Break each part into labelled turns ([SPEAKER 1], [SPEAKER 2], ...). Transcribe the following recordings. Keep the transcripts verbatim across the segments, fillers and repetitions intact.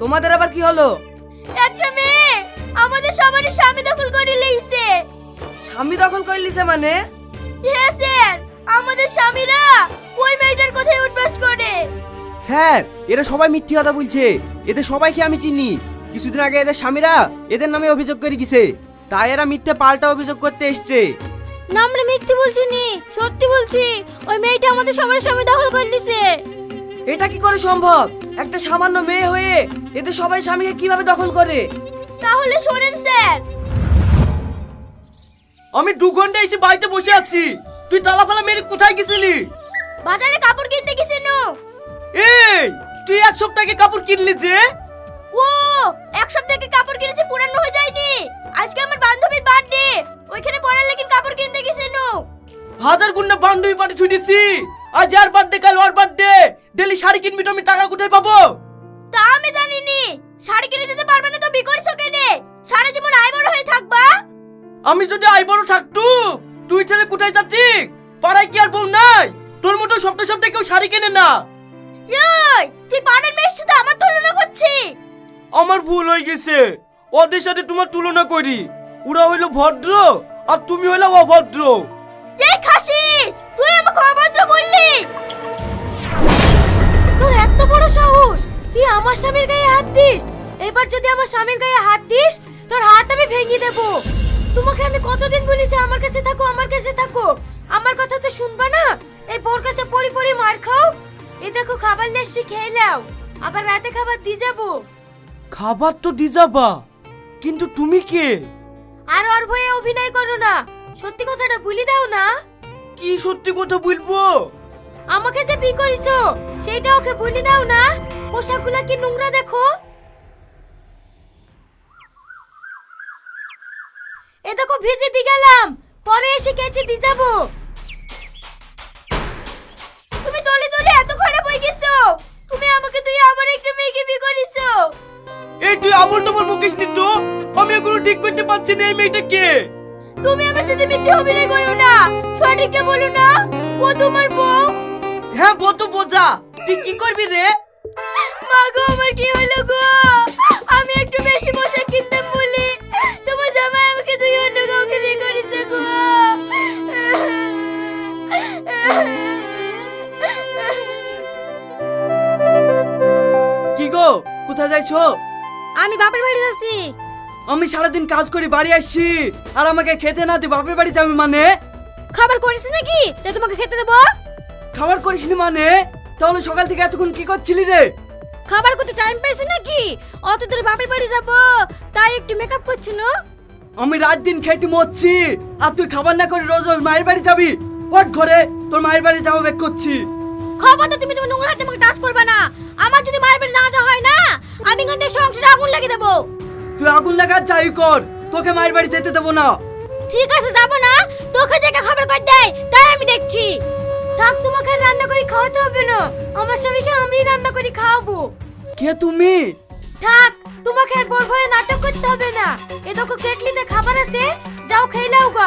[SPEAKER 1] তোমাদের আবার কি হলো?
[SPEAKER 2] একটা মেয়ে আমাদের সবারই স্বামী দখল করে লইছে।
[SPEAKER 1] স্বামী দখল করে লিছে মানে?
[SPEAKER 2] হ্যাঁ স্যার, আমাদের স্বামীরা ওই মেয়েটার কথাই উঠবাস করে।
[SPEAKER 3] স্যার, এরা সবাই মিথ্যে কথা বলছে। এদের সবাইকে আমি চিনি। কিছুদিন আগে এদের স্বামীরা এদের নামে অভিযোগ করে গেছে, তাই এরা মিথ্যে পাল্টা অভিযোগ করতে এসছে।
[SPEAKER 2] না, আমরা মিথ্যে বলছি নি, সত্যি বলছি। ওই মেয়েটা আমাদের সবার স্বামী দখল করে নিছে।
[SPEAKER 1] এটা কি করে সম্ভব? একটা সামান্য মেয়ে হয়ে এদের সবাই স্বামীকে কিভাবে দখল করে?
[SPEAKER 2] তাহলে শোনেন স্যার।
[SPEAKER 4] আমি দু ঘন্টা এসে বাড়িতে বসে আছি, তুই তালা ফালা মেরে কোথায় গেছিলি?
[SPEAKER 2] বাজারে কাপড় কিনতে গেছি নু।
[SPEAKER 4] এই তুই এক সপ্তাহ আগে কাপড় কিনলি যে?
[SPEAKER 2] ও, এক সপ্তাহ আগে কাপড় কিনেছি, পুরানো হয়ে যায়নি। আজকে আমার বান্ধবীর বার্থডে, ওইখানে পড়ার লেকিন কাপড় কিনতে গেছি নু।
[SPEAKER 4] হাজার গুণা বান্ধবী পার্টি ছুটেছি, আজ আর বার্থডে কাল ওর বার্থডে, ডেলি শাড়ি কিনবি তো আমি টাকা কোথায় পাবো?
[SPEAKER 2] তা আমি জানি নি, শাড়ি কিনে দিতে পারবে না তো বিকরিছো কেনে? সারা জীবন আইবড় হয়ে থাকবা।
[SPEAKER 4] আমি যদি আই বড় থাকতু, তুই ছেলে কোথায় যাচ্ছি? পাড়ায় কি আর বউ নাই? তোর মতো সপ্তাহে সপ্তাহে কেউ শাড়ি কেনে না।
[SPEAKER 2] এই, তুই পাড়ার মেয়ের সাথে আমার তুলনা করছিস?
[SPEAKER 4] আমার ভুল হয়ে গেছে, ওদের সাথে তোমার তুলনা করি। ওরা হইলো ভদ্র আর তুমি হইলো অভদ্র।
[SPEAKER 2] এই খাসি, তুই আমাকে অভদ্র বললি? তোর এত বড় সাহস, তুই আমার স্বামীর গায়ে হাত দিস? এবার যদি আমার স্বামীর গায়ে হাত দিস, তোর হাত আমি ভেঙে দেব। তোমাকে আমি কতদিন বলেছি আমার কাছে থাকো, আমার কাছে থাকো। আমার কথা তো শুনবা না? এই বোর কাছে পড়ি পড়ি মার খাও। এই দেখো খাবার লেসি খেয়ে নাও, আবার রাতে খাবার দিয়ে যাবো।
[SPEAKER 4] খাবার তো দি যাবা, কিন্তু তুমি কে?
[SPEAKER 2] আর ওর ভয়ে অভিনয় করো না, সত্যি কথাটা বলি দাও না।
[SPEAKER 4] কি সত্যি কথা বলবো?
[SPEAKER 2] আমাকে যে বিয়ে করেছো সেইটা ওকে বলি দাও না। পোশাকগুলো কি নোংরা দেখো। এ দেখো ভিজে দি গেলাম, পরে এসে কেচে দি যাবো। তুমি তলে তলে এত খারাপ হয়ে গেছো। তুমি আমাকে তুই আবার একটা মেয়েকে বিয়ে করেছো।
[SPEAKER 4] এই তুই আমল তোমার মুকেশ নি তো, আমি এগুলো ঠিক করতে পারছি না। এই মেয়েটা কে?
[SPEAKER 2] তুমি আমার সাথে মিথ্যে অভিনয় করো না, সঠিকটা বলো না। ও তোমার বউ?
[SPEAKER 4] হ্যাঁ বউ তো বোঝা, তুই কি করবি রে?
[SPEAKER 2] মা গো, আমার কি হলো গো? আমি একটু বেশি পোশাক কিনতাম বলি তোমার জামাই আমাকে তুই অন্য কাউকে বিয়ে করেছে গো।
[SPEAKER 3] কি গো, কোথায় যাইছো?
[SPEAKER 2] আমি বাপের বাড়ি যাচ্ছি।
[SPEAKER 3] আমি সারাদিন কাজ করি বাড়ি আসছি, আর আমাকে খেতে না দিয়ে বাপের বাড়ি যাবে মানে?
[SPEAKER 2] খাবার করিস নাকি তাই তোমাকে খেতে দেবো?
[SPEAKER 3] খাবার করিসনি মানে? তাহলে সকাল থেকে এতক্ষণ কি করছিলি রে?
[SPEAKER 2] খাবার করতে টাইম পাইছি নাকি? অত দূর বাপের বাড়ি যাবো তাই একটু মেকআপ করছি না।
[SPEAKER 3] আমি রাত দিন খেটে মরছি, আর তুই খাবার না করে রোজ রোজ মায়ের বাড়ি যাবি? ওঠ ঘরে, তোর মায়ের বাড়ি যাবো বেক করছি।
[SPEAKER 2] খবরদার তুমি তোমার নোংরা হাতে আমাকে টাচ করবে না। আমার যদি মায়ের বাড়ি না যাওয়া হয় না, আমি কিন্তু সংসারে আগুন লাগিয়ে দেবো।
[SPEAKER 3] তুই আগুন লাগা যাই কর, তোকে মায়ের বাড়ি যেতে দেবো না।
[SPEAKER 2] ঠিক আছে, যাবো না। তোকে জায়গা খাবার করে দেয় তাই আমি দেখছি। থাক, তোমাকে আর রান্না করে খাওয়াতে হবে না। আমার স্বামীকে আমি রান্না করে খাওয়াবো।
[SPEAKER 3] কে তুমি?
[SPEAKER 2] থাক, তোমাকে আর বড় ভয়ে নাটক করতে হবে না। এ দেখো কেটলিতে খাবার আছে, যাও খেয়ে নাও গা।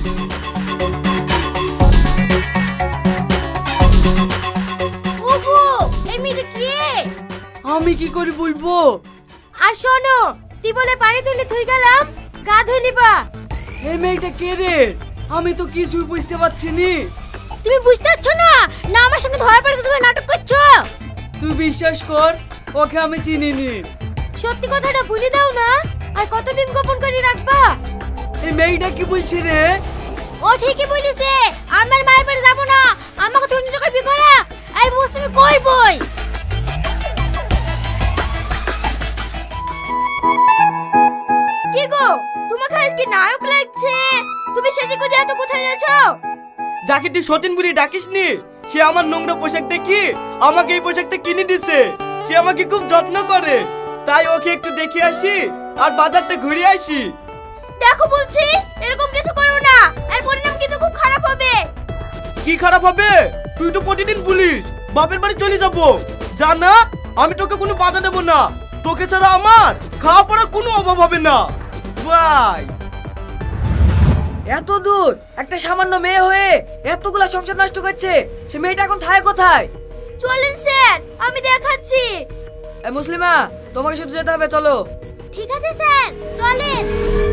[SPEAKER 2] ওগো, এই মেয়েটা কে?
[SPEAKER 3] আমি কি করে বলবো?
[SPEAKER 2] আর শোনো, টিবলে পানি তুলে ধুই গেলাম, গা ধুই নিবা।
[SPEAKER 3] এই মেয়েটা কে রে? আমি তো কিছুই বুঝতে পারছি নি।
[SPEAKER 2] তুমি বুঝতে পারছো না? না আমার সামনে ধরা পড়ে গেছো বলে নাটক করছো?
[SPEAKER 3] তুই বিশ্বাস কর, ওকে আমি চিনিনি।
[SPEAKER 2] সত্যি কথাটা বলে দাও না, আর কতদিন গোপন করে রাখবা?
[SPEAKER 3] এই মেয়েটা কি বলছে রে?
[SPEAKER 2] ও ঠিকই বলেছে, আমার মায়ের বাড়ি যাবো না, আমাকে তুমি নিজে বিয়ে করা। আর বুঝতে আমি করবই। কি গো, তোমাকে আজকে নায়ক লাগছে। তুমি সেজে গুজে এত কোথায় যাচ্ছো?
[SPEAKER 4] যাকে তুই সতীন বলে ডাকিস নি, সে আমার নোংরা পোশাক দেখি আমাকে এই পোশাকটা কিনে দিছে। সে আমাকে খুব যত্ন করে, তাই ওকে একটু দেখে আসি আর বাজারটা ঘুরে আসি।
[SPEAKER 2] দেখো বলছি, এরকম কিছু করো না, আর পরিণাম কিন্তু খুব খারাপ হবে।
[SPEAKER 4] কি খারাপ হবে? তুই তো প্রতিদিন বলিস বাপের বাড়ি চলে যাবো। জানা, আমি তোকে কোনো বাধা দেবো না। তোকে ছাড়া আমার খাওয়া পড়ার কোনো অভাব হবে না। বাই।
[SPEAKER 1] এত দূর একটা সামান্য মেয়ে হয়ে এতগুলা সংসার নষ্ট করছে, সে মেয়েটা এখন থাকে কোথায়?
[SPEAKER 2] চলেন স্যার, আমি দেখাচ্ছি।
[SPEAKER 1] এ মুসলিমা, তোমাকে শুধু যেতে হবে, চলো।
[SPEAKER 2] ঠিক আছে স্যার, চলেন।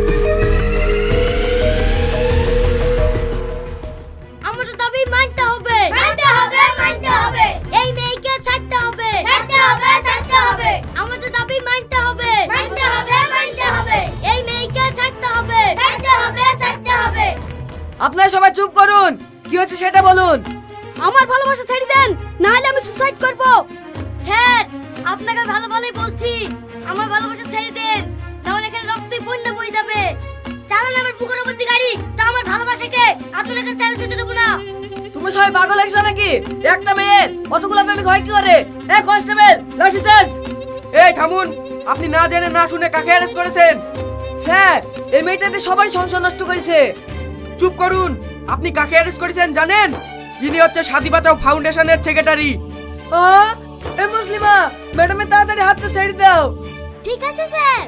[SPEAKER 2] আমাদের দাবি মানতে হবে, মানতে হবে, মানতে হবে। এই মেয়েকে ছাড়তে হবে, ছাড়তে হবে, ছাড়তে হবে। আমাদের দাবি মানতে হবে, মানতে হবে, মানতে হবে। এই মেয়েকে ছাড়তে হবে, ছাড়তে হবে, ছাড়তে হবে।
[SPEAKER 1] আপনারা সবাই চুপ করুন, কি হচ্ছে সেটা বলুন।
[SPEAKER 2] আমার ভালোবাসা ছেড়ে দেন, না হলে আমি সুসাইড করব। স্যার, আপনাকে ভালো ভালোই বলছি, আমার ভালোবাসা ছেড়ে দেন, তাহলে এখানে রক্তই বন্যা বয়ে যাবে। চালান আমার বুকের উপর দিয়ে গাড়ি, তা আমার ভালোবাসাকে আপনাদের কাছে ছেড়ে যেতে দেবো না।
[SPEAKER 1] তুমি সবাই পাগল হয়েছো নাকি? একটা মেয়ের অতগুলো প্রেমিক হয় কি করে? এ কনস্টেবল, লাঠি চার্জ।
[SPEAKER 3] এই থামুন, আপনি না জেনে না শুনে কাকে অ্যারেস্ট করেছেন?
[SPEAKER 1] স্যার, এই মেয়েটাতে সবারই সংসার নষ্ট করেছে।
[SPEAKER 3] চুপ করুন, আপনি কাকে অ্যারেস্ট করেছেন জানেন? ইনি হচ্ছে শাদি বাঁচাও ফাউন্ডেশনের সেক্রেটারি।
[SPEAKER 1] আ এ মুসলিমা, ম্যাডামের তাড়াতাড়ি হাতটা ছেড়ে দাও।
[SPEAKER 2] ঠিক আছে স্যার।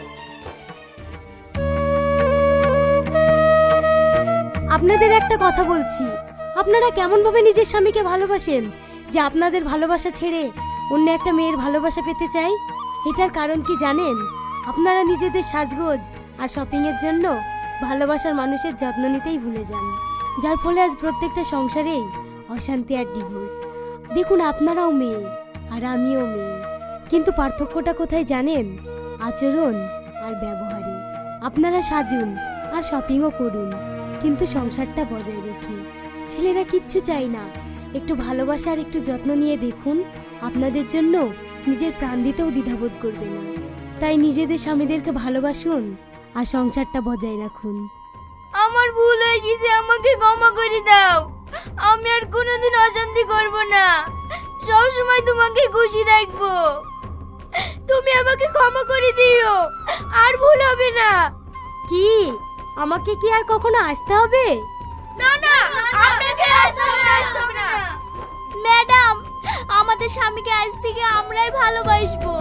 [SPEAKER 2] আপনাদের একটা কথা বলছি, আপনারা কেমন ভাবে নিজের স্বামীকে ভালোবাসেন যে আপনাদের ভালোবাসা ছেড়ে অন্য একটা মেয়ের ভালোবাসা পেতে চাই? এটার কারণ কি জানেন? আপনারা নিজেদের সাজগোজ আর শপিং এর জন্য ভালোবাসার মানুষের যত্ন নিতেই ভুলে যান, যার ফলে আজ প্রত্যেকটা সংসারেই অশান্তি আর ডিভোর্স। দেখুন, আপনারাও মেয়ে আর আমিও মেয়ে, কিন্তু পার্থক্যটা কোথায় জানেন? আচরণ আর ব্যবহারে। আপনারা সাজুন আর শপিংও করুন, কিন্তু সংসারটা বজায় রেখে। ছেলেরা কিচ্ছু চাই না, একটু ভালোবাসা আর একটু যত্ন নিয়ে দেখুন, আপনাদের জন্য নিজের প্রাণ দিতেও দ্বিধাবোধ করবে না। তাই নিজেদের স্বামীদেরকে ভালোবাসুন আর সংসারটা বজায় রাখুন। আমার ভুল হয়ে গেছে, আমাকে ক্ষমা করে দাও। আমি আর কোনোদিন অশান্তি করব না, সব সময় তোমাকে খুশি রাখবো। তুমি আমাকে ক্ষমা করে দিও, আর ভুল হবে না। কি আমাকে কি আর কখনো আসতে হবে? না না, আপনাকে আসতে হবে না। ম্যাডাম, আমাদের স্বামীকে আজ থেকে আমরাই ভালোবাসবো।